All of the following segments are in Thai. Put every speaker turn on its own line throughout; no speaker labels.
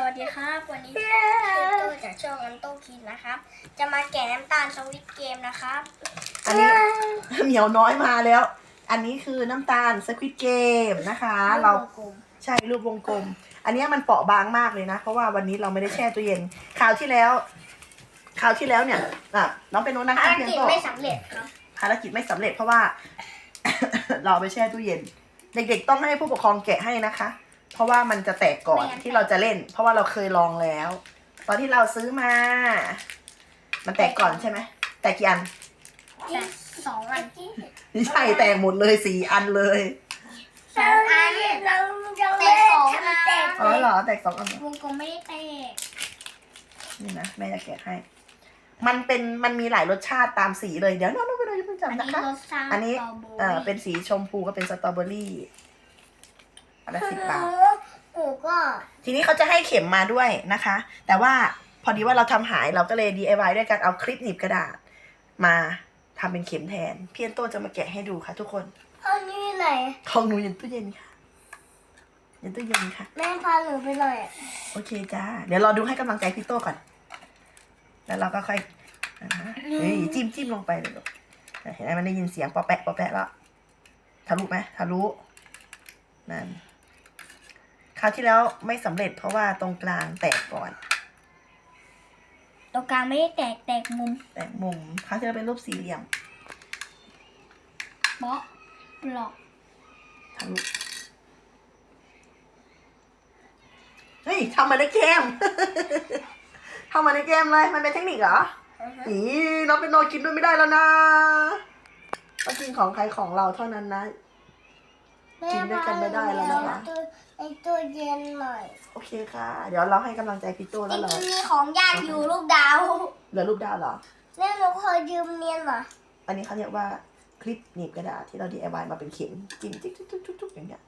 วัสดีครับวันนี้เชฟโต้จากช่องอันโต้คิดนะครับจะมาแกะน้ำตาลสวิตเกมนะครับ
อันนี้ เหมียวน้อยมาแล้ว อันนี้คือน้ำตาลสควิดเกมนะคะเราใช่รูปวงกลม อันนี้มันเปราะบางมากเลยนะ เพราะว่าวันนี้เราไม่ได้แช่ตู้เย็นคราวที่แล้วเนี่ยน้องเป็นโน้นนะคะ
ภารกิจไม่สำเร็จครับ
ภารกิจไม่สำเร็จเพราะว่า เราไปแช่ตู้เย็น เด็กๆต้องให้ผู้ปกครองแกะให้นะคะ เพราะว่ามันจะแตกก่อนที่เราจะเล่น เพราะว่าเราเคยลองแล้ว ตอนที่เราซื้อมา มันแตกก่อนใช่ไหมแตกกี่อัน
แต่2 อัน
ไม่ใช่แตกหมดเลย4 อันเลย
2 อันเราแต่2 อัน
อ๋อเหรอแตก2 อัน
วงกลมไม่ได้แตก
นี่นะแม่จะแกะให้ มันมีหลายรสชาติตามสีเลยเดี๋ยวน้องไปดูอย่าเพิ่งจำนะคะอันนี้เป็นสีชมพูก็เป็นสตรอเบอรี่อันละ10 บาททีนี้เขาจะให้เข็มมาด้วยนะคะ แต่ว่าพอดีว่าเราทำหายเราก็เลย DIY ด้วยการเอาคลิปหนีบกระดาษมาทำเป็นเข็มแทนพี่อันโตจะมาแกะให้ดูค่ะทุกคน
อันนี้ไหน
ของหนูยันตู้เย็นค่ะยันตู้เย็นค่ะ
แม่พาหนูไปหน่อย
โอเคจ้าเดี๋ยวรอดูให้กำลังใจพี่โตก่อนแล้วเราก็ค่อยจิ้มลงไปเลยลูกเห็นไหมมันได้ยินเสียงปอแปะแล้วทะลุไหมทะลุนั่นคราวที่แล้วไม่สำเร็จเพราะว่าตรงกลางแตกก่อน
ตรงกลางไม่ได้แตกมุม
คราวที่แล้วเป็นรูปสี่เหลี่ยม
เบาะหลอก
ทะลุเฮ้ยทำมาได้เกม ทำมาในเกมเลยมันเป็นเทคนิคเหรอน้องเป็นโนกินด้วยไม่ได้แล้วนะต้องกินของใครของเราเท่านั้นนะกินด้วยกันไม่ได้แล้วนะคะ
ไอตัวเย็นหน่อย
โอเคค่ะเดี๋ยวเราให้กำลังใจพี่โตแล้วเหรอ
มีของญาติอยู่รูปดาว
เหลือรูปดาวเหรอ
แม่หนูขอยืมเนียนหน่อย
อันนี้เขาเรียกว่าคลิปหนีบกระดาษที่เรา DIY มาเป็นเข็มจิ้มจุ๊กอย่างเงี้ย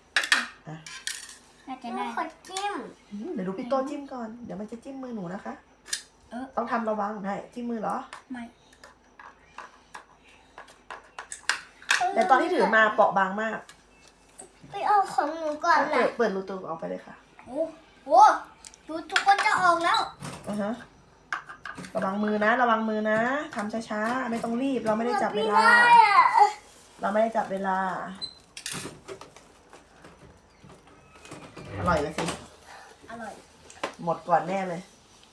น่าจะได้ขอจิ้ม
เดี๋ยวดูพี่โตจิ้มก่อนเดี๋ยวมันจะจิ้มมือหนูนะคะต้องทำระวังได้จิ้มมือเหรอ
ไม่
แต่ตอนที่ถือมาเปราะบางมาก
ไปเอาของหนูก่อนนะ
เปิดรูตัวออกไปเลยค่ะ
โอ้โหดูทุกคนจะออกแล้ว
ระวังมือนะทำช้าๆไม่ต้องรีบเราไม่ได้จับเวลาอร่อยแล้วสิ
อร่อย
หมดก่อนแน่เลย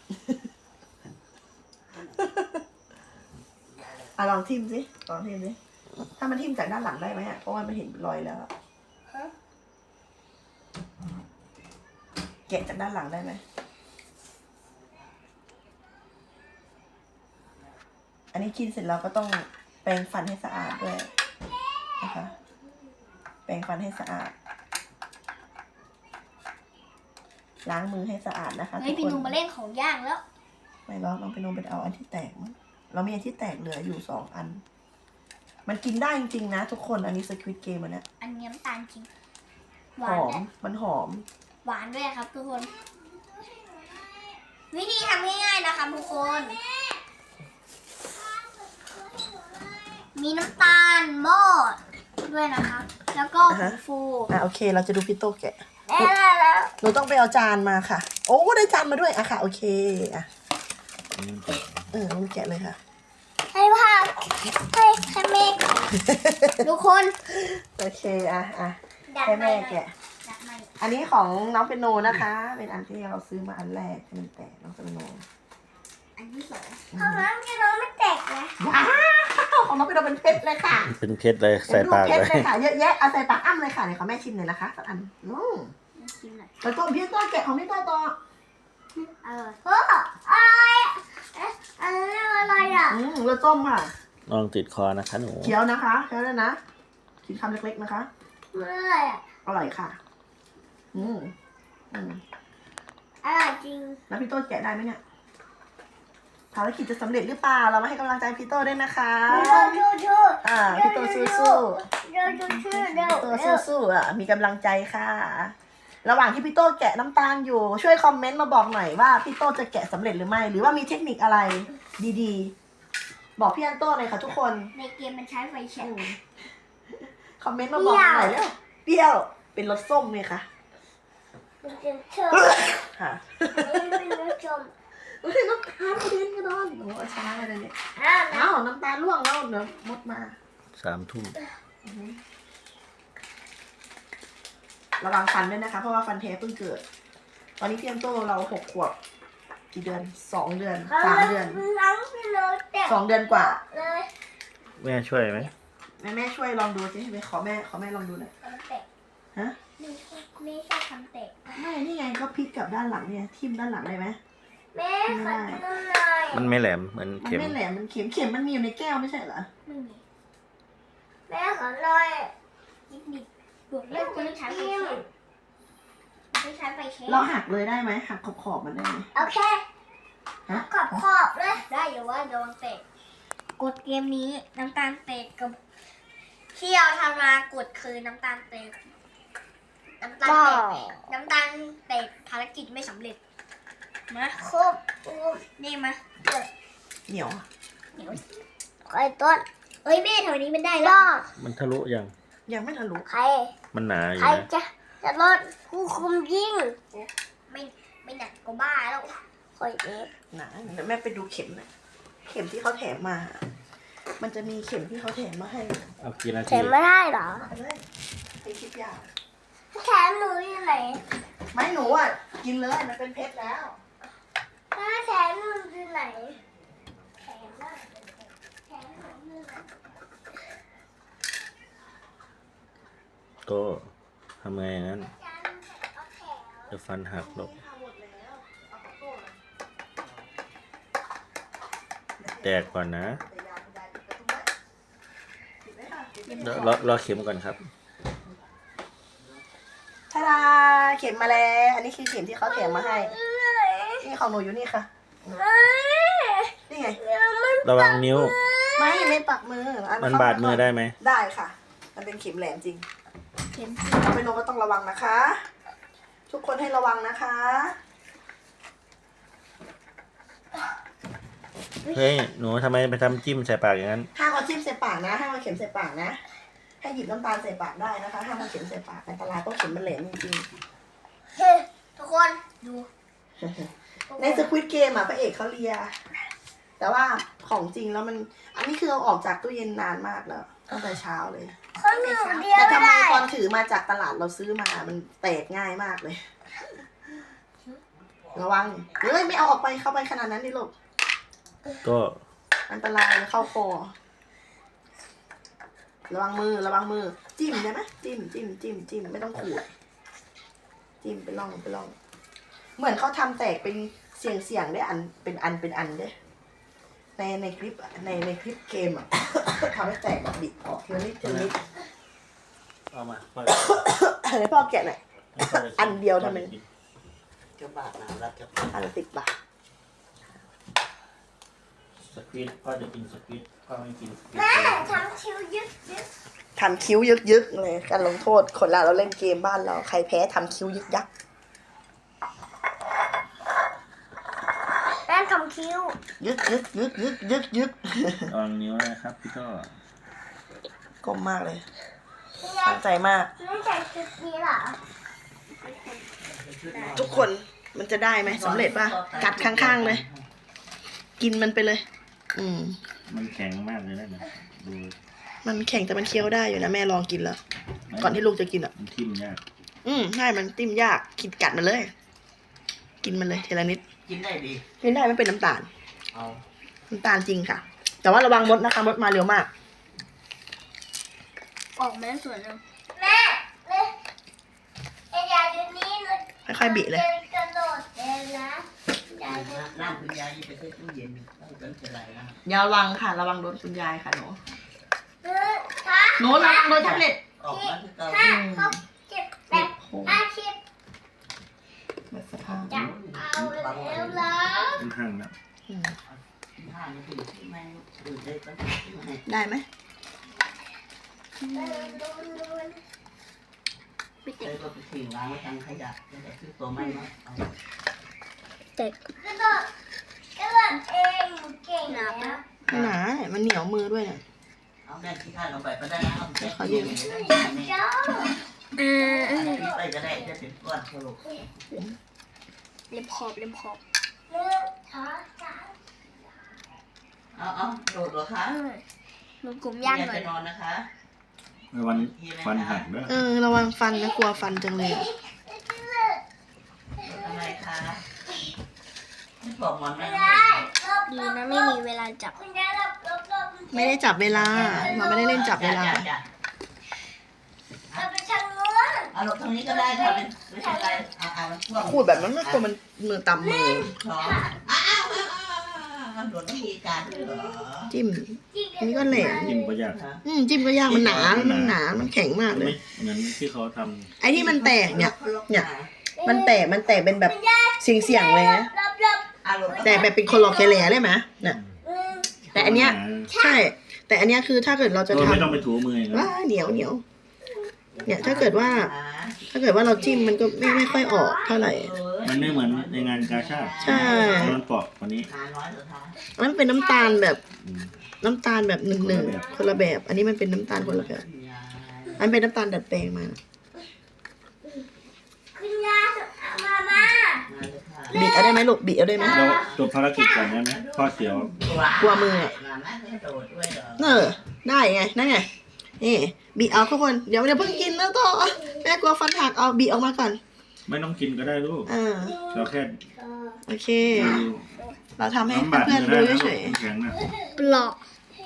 ลองทิมสิถ้ามันทิมจากด้านหลังได้ไหมเพราะว่ามันเห็นรอยแล้วแกะจากด้านหลังได้ไหมอันนี้กินเสร็จแล้วก็ต้องแปรงฟันให้สะอาดด้วยนะคะแปรงฟันให้สะอาดล้างมือให้สะอาดนะคะทุกคน
พี่นุ่มมาเล่นของย่างแล้ว
ไม่หรอกน้องไปนุ่มไปเอาอันที่แตกมั้งเรามีอันที่แตกเหลืออยู่2 อันมันกินได้จริงๆนะทุกคนอันนี้สควิดเกมอันนี้
อันนี้น้ำตาลจริง
หอมมันหอม
หวานด้วยครับทุกคนวิธีทำง่ายๆนะคะทุกคนมีน้ำตาลหม้อด้วยนะคะแล้วก็ผงฟู
โอเคเราจะดูพี่โตแกะหนูต้องไปเอาจานมาค่ะโอ้ได้จานมาด้วยค่ะโอเคมันแกะเลยค่ะ
ให้พ่อให้แม่ทุกคน
โอเคให้แม่แกะอันนี้ของน้องเปโนนะคะเป็นอันที่เราซื้อมาอันแรกที่มันแตกน้องเปโน
อันที่2ของน้องเปโนไม่แตกนะ
ของน้องเปโนเป็นเพชรเลยค่ะ
เป็นเพชรเลยใส่ปาก
เลยค่ะเยอะแยะเอาใส่ปากอ้ำเลยค่ะเดี๋ยวขอแม่ชิมหน่อยนะคะสักอัน
ชิมหน่อย
แล้วต้มพี่ต้นแกะของพี่ต้นต่อ
อะไรอ่ะ
แล้วต้มค่ะ
ลองติดคอนะคะหนู
เคี้ยวนะคะเคี้ยวได้นะกินคำเล็กๆนะคะ
อะไรอ่ะ
อร่อยค่ะ
อร่อยจริง
แล้วพี่โต้แกะได้ไหมเนี่ยภารกิจจะสำเร็จหรือเปล่าเรามาให้กำลังใจพี่โต้ด้วยนะคะพี่โต้สู้มีกำลังใจค่ะระหว่างที่พี่โต้แกะน้ำตาลอยู่ช่วยคอมเมนต์มาบอกหน่อยว่าพี่โต้จะแกะสำเร็จหรือไม่หรือว่ามีเทคนิคอะไรดีๆบอกพี่อันโต้เลยค่ะทุกคน
ในเกมมันใช้ไฟแช็ก
คอมเมนต์มาบอกหน่อยเร็วเปรี้ยวเป็นรสส้มเลยค่ะ
มันเป็นเชือก
ค่ะ
มันเป็นน้ำชม
เฮ้ยน้ำตาลกระเด็นกระดอนโอ้เอาช้าเลยเนี่ย
อ่า
เอ้าน้ำตาลร่วงแล้วเดี๋ยวมดมา
3 ทุ่ม
ระวังฟันด้วยนะคะ เพราะว่าฟันแท้เพิ่งเกิด ตอนนี้พี่แอมโต้เรา6 ขวบกี่เดือน2 เดือน3 เดือน
ล้างไปเลยแต่
2 เดือนกว่า
เลย
แม่ช่วยไหม
แม่ช่วยลองดูสิไปขอแม่ลองดูหน่อย
ทำเตะ
ฮะ
ไม่ใช่ทำเตะ
ไม่นี่ไงก็พลิกกลับด้านหลังเนี่ยทิ่มด้านหลังได้ไหม
แม่ขอดูหน่อย
มันไม่แหลมเหมือน
มัน
เข็ม
ไม่แหลมมันเข็มมันมีอยู่ในแก้วไม่ใช่เหรอ
ไม่มีแม่ขอหน่อยนิดๆบวกเล่นจะใช้ไฟเช็คไม่ใช้ไฟเช็ค
เราหักเลยได้ไหมหักขอบมันได้ไหม
โอเค
ฮะ
ขอบเลยได้อยู่ว่าโดนเตะกดเกมนี้น้ำตาลเตะกับที่เราทำมากดคือน้ำตาลเตะน้ำตาลเตะภารกิจไม่สำเร็จมาครบนี่มา
เหนียว
ไอ้ต้นเอ้ยแม่แถวนี้มันได้แล้ว
มันทะลุยัง
ยังไม่ทะลุ
ใคร
มันหนาอยู่
ใคร
นะ
จะลดผู้คุมยิงไม่หนักก็บ้าแล้วคอยเอฟ
หนาเดี๋ยวแม่ไปดูเข็มหน่อยเข็มที่เขาแถมมา มันจะมีเข็มที่เขาแถมมาให้
เอากี่นา
แถ
ที
มไม่ได้เหรอ
เอาเลยไปคิดยาก
แถมหนูอยู่ไหน
ไม่หนูอ่ะกินเลยมันเป็นเพชรแล้ว
แถมหนูอยู่ไหนแถมหนูอยู่ไหน
โตทำไงอย่างนั้นจะฟันหักหรอกแตกก่อนนะรอเข็มก่อนครับ
ทาดาเข็มมาแล้ว อันนี้คือเข็มที่เขาแถมมาให้ นี่ของหนูอยู่นี่ค่ะ นี่ไง
ระวังนิ้ว
ไม่ปักมืออั
มันบาดมือได้ไหม
ได้ค่ะ มันเป็นเข็มแหลมจริง
เข็ม
เอาไปลงก็ต้องระวังนะคะ ทุกคนให้ระวังนะคะ
เฮ้ย หนูทำไมไปทำจิ้มใส่ปากอย่างนั้น
ห้ามเอาจิ้มใส่ปากนะห้ามเอาเข็มใส่ปากนะ ให้หยิบน้ำตาลใส่ปากได้นะคะห้ามเอาเข็มใส่ปากอันตรายเพราะเข็มมันแหลมจริง
เฮ้ทุกคนดู
ๆในสควิตเกมอ่ะพระเอกเขาเลีย แต่ว่าของจริงแล้วมัน อันนี้คือเอาออกจากตู้เย็นนานมากแล้วตั้งแต่เช้าเลย
คนหนึ่งเดียว
แต่
ไม่
ทำไม
ได้
ตอนถือมาจากตลาดเราซื้อมา มันแตกง่ายมากเลย ระวังเฮ้ยไม่เอาออกไปเข้าไปขนาดนั้นดิลูก
ก็
อันตรายเข้าคอระวังมือจิ้มได้ไหมจิ้มไม่ต้องขูดจิ้มไปล่องเหมือนเขาทำแตกเป็นเสียงได้อันเป็นอันเด้ในคลิปอะในคลิปเกมอ่ะ ทำให้แตกแบบบิดออกทีละนิด
เอามา
ให้พ่อแกะหน่อย อันเดียวทำไม
จะบาดนะรัดจะ
อันละ10 บาท
สควิตพ่อจะกินสควิตพ่อไม่กินสควิต
แม่ทำคิวยึด
ทำคิ้วยึกเลยการลงโทษคนเราเล่นเกมบ้านเราใครแพ้ทำคิ้วยึกยัก
แม่ทำคิว
ยึก
ระวังนิ้วนะครับพี่ก็
กลมมากเลยตั้งใจมาก
ไม่ใส่ชุดนี้เหรอ
ทุกคนมันจะได้ไหมสำเร็จป่ะ กัดข้างๆเลย กินมันไปเลย
มันแข็งมากเลยนะเนี่ยดู
มันแข็งแต่มันเคี้ยวได้อยู่นะแม่ลองกินแล้ว ก่อนที่ลูกจะกินอ่ะ
มันทิ่มยาก
ง่ายมันติ้มยากกินกัดมันเลย กินมันเลยทีละนิด
กินได้ดี
กินได้ไม่เป็นน้ำตาล
เอา
น้ำตาลจริงค่ะ แต่ว่าระวังมดนะคะมดมาเร็วมาก
ออกมาส่วนนึงแม่ไอ้ยายอยู่นี่เลย
ค่อยๆบิเลย
กระโดดเดินนะยาย
น้ำคุณยายไปใส่ตู้เย็นต้องเป็นไรนะ
อย่าระวังค่ะ ระวังโดนคุณยายค่ะหนู
ถ้า
หนูระวังโดนแท็บเล็ต
ออกมาคือเก่า
เขาเก็บแบบ50
แบบสภาพ
จะเอาแล้วเหรอ
ค่อนข้างนะ
ห้านาทีที่แม่ดูได้ต้องให้
ได้ไหม
ไม่ติ
ใช้
ด
รถไปทิ้งล้างไว้ทางขยะจะได้ซื้อตัวใหม่มา
ติดกระโดดเองเก่งนะ
ไม่หนาเนี่ยมันเหนียวมือด้วยเนี่ย
เอาแม่ที่ข้าลงไปก็ได้นะเอาไป
ขอยืม
เจ้า
ปิดไปก็ได้จะเป็นก้อนสรุป
เล็มขอบ
เอาโดดเหรอคะ
รวมกลุ่มย่างหน่
ไป
อย
นอนนะคะ
วันฟันหักเด้อ
ระวังฟันนะกลัวฟันจังเลย
ทำไมคะไม่บอกหมอนนั่ง
ดีนะไม่มีเวลาจับ
ไม่ได้จับเวลา เราไม่ได้เล่นจับเวลา
เอาหลบตรงนี้ก็ได้ค่ะไม่ใช่ไรเอามันพ่วง
ขูดแบบนั้นไม่ควรมันมือตำมือ
ท้องโดนวิธีการด้วยเหรอ
จิ้มอันนี้ก็แหลม
จิ้มก็ยาก
จิ้มก็ยากมันหนา มันแข็งมากเลย
เหมือนที่เขาท
ไอ้ที่มันแตกเนี่ย มันแตกเป็นแบบเสียงๆเลยนะ แต่แบบเป็นคอลอเคแลได้ไหมเนี่ย
ำ
แต่อันเนี้ย ใช่ แต่อันเนี้ยคือถ้าเกิดเราจะ
ไม่ต้อง
ทำ
ไปถูมืออย่างนั้น
ว้าเหนียวเนี่ยถ้าเกิดว่าเราจิ้มมันก็ไม่ค่อยออกเท่าไหร่
มันไม่เหมือนในงานกาชาด
ใช่
มันเปราะกว่านี้
มันเป็นน้ำตาลแบบ
อืม
หนึ่งคนละแบบ อันนี้มันเป็นน้ำตาลคนละแบบ อันเป็นน้ำตาลดัดแปลงมา บีบเอาได้ไหมลูกบีบเอาได้ไหม
เราจบภารกิจก่อนได้ไหมพ่อเสียว
กลัวมืออะ ได้ไงนั่นไงนี่บีบเอาทุกคนเดี๋ยวเพิ่งกินแล้วต่อแม่กลัวฟันหักเอาบีบออกมาก่อน
ไม่ต้องกินก็ได้ลูก เราแค่
โอเค เราทำให้
น้ำบาด
เพื่อนๆ
มื
ดู
อได้นะ
เฉ
ลูก
ย
แข็งนะ
ปลอก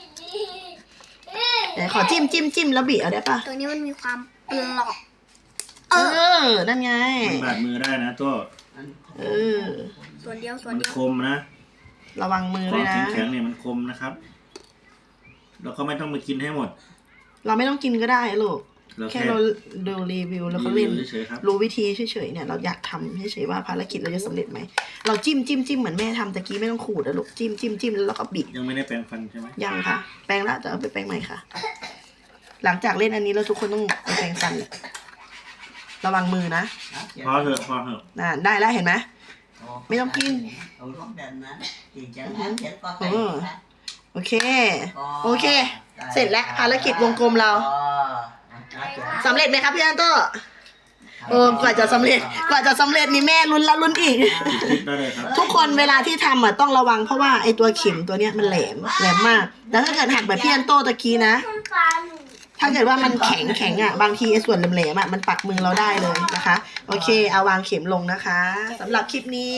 ๆไหนขอจิ้มแล้วบีบเอาได้ปะ
ตัวนี้มันมีความปลอก
นั่นไง
มันบาดมือได้นะตัว
ส่วนเดียว
มันคมนะ
ระวังมือ
ข
ด้
อ
ว
ง
ยนะ
แข็งๆเนี่ยมันคมนะครับเราก็ไม่ต้องมากินให้หมด
เราไม่ต้องกินก็ได้ลูก
เรา
แค่
แค่
เราดูรีวิวแล้วเขาเล่น
เฉยๆครับ
รู้วิธีเฉยๆเนี่ยเราอยากทำเฉยๆว่าภารกิจเราจะสำเร็จไหมเราจิ้มเหมือนแม่ทำตะกี้ไม่ต้องขูดนะลูกจิ้มแล้วเราก็บีบ
ยังไม่ได้แปรงฟันใช่ไหม
ยังค่ะ แปรงละแต่เอาไปแปรงใหม่ค่ะ หลังจากเล่นอันนี้แล้วทุกคนต้องไปแปรงฟันแหละระวังมือนะ
พอเถอะ
ได้แล้วเห็นไหม ไม่ต้องกิน
เอาลูกแบบนั้นจริงจังนะเขียนก็ไปนะ
โอเค เสร็จแล้วภารกิจวงกลมเราสำเร็จไหมครับพี่อันโต้กว่าจะสำเร็จนี่แม่ลุ้นแล้วลุ้นอีก
คลิปได้เลยครับ
ทุกคนเวลาที่ทำอ่ะต้องระวังเพราะว่าไอตัวเข็มตัวเนี้ยมันแหลมมากแล้วถ้าเกิดหักแบบพี่อันโต้ตะกี้นะ ถ้าเกิดว่ามันแข็งอ่ะบางทีไอ้ส่วนแหลมๆอ่ะมันปักมือเราได้เลยนะคะ โอเคเอาวางเข็มลงนะคะสำหรับคลิปนี้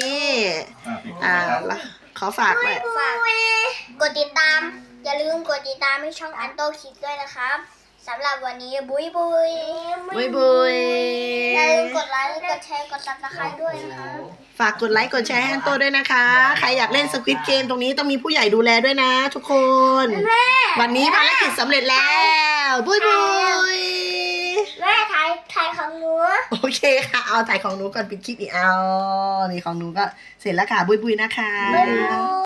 ขอฝากไว้
กดติดตาม อย่าลืมกดติดตามให้ช่องอันโตคิดด้วยนะครับสำหรับวันนี้บุย
บุย
อย่าลืมกดไลค์กดแชร์กดซับสไครต์ด้วยนะคะ
ฝากกดไลค์กดแชร์ให้อันโต้ด้วยนะคะ ใครอยากเล่นสควิดเกมตรงนี้ต้องมีผู้ใหญ่ดูแลด้วยนะทุกคน วันนี้ภารกิจสำเร็จแล้วบุย
แม่ถ่ายของหนู
โอเคค่ะเอาถ่ายของหนูก่อนปิดคลิปอีกเอานี่ของหนูก็เสร็จแล้วค่ะบุยนะคะ